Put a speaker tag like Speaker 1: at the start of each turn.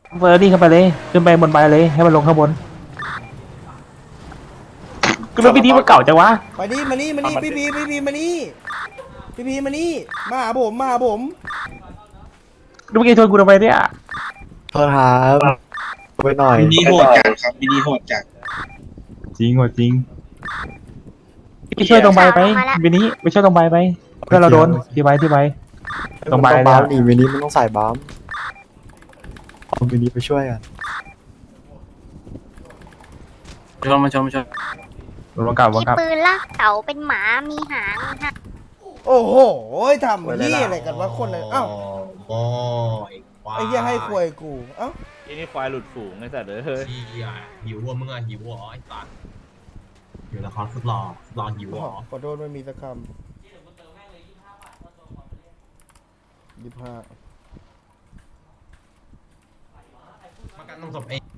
Speaker 1: เฟอร์นี่ขึ้นไปเลยขึ้นไปบนใบเลยให้มันลงข้างบนก็รถพี่นี้มันเก่าจังวะ
Speaker 2: มานี่มานี่มานี่พี่พีมานี่พี่พีมานี่มาหาผมมาหาผม
Speaker 1: ดูเมื่อกี้ชนกูทำไมเนี่ย
Speaker 3: โทษครับไปหน่อย
Speaker 4: มินิโหดจัดครับมินิโหดจัด
Speaker 1: จริงว่ะจริงไปช่วยตรงใบไปวินี้ไปช่วยตรงใบไปเพื่อนเราโดนที่ใบตรงใบ
Speaker 3: ต้อง
Speaker 1: เนี่
Speaker 3: บ้าย มนี่มินิมันต้องใส่บ้ามเอามินิไปช่วยกัน
Speaker 4: มาชม
Speaker 1: ลงกลับ
Speaker 5: มีปืนลากเสาเป็นหมา มีหางมีหาง
Speaker 2: โอ้โหทำนี่อะไรกันวะคนเลยเอ้า
Speaker 6: โอ้ย
Speaker 2: ไอ้เหี้ยให้ควยกูเอ้า
Speaker 7: ที่นี่ควายหลุดฝูงไอ้สัตว์เฮ้ย
Speaker 6: ที่หิวอ่ะมึงอ่ะหิวอ่ะไอ้สัตว์อยู่ละครสุดหล่อหิวอ่ะ
Speaker 2: ขอโทษไม่มีสักคำ25
Speaker 6: มากันต้องศพเอง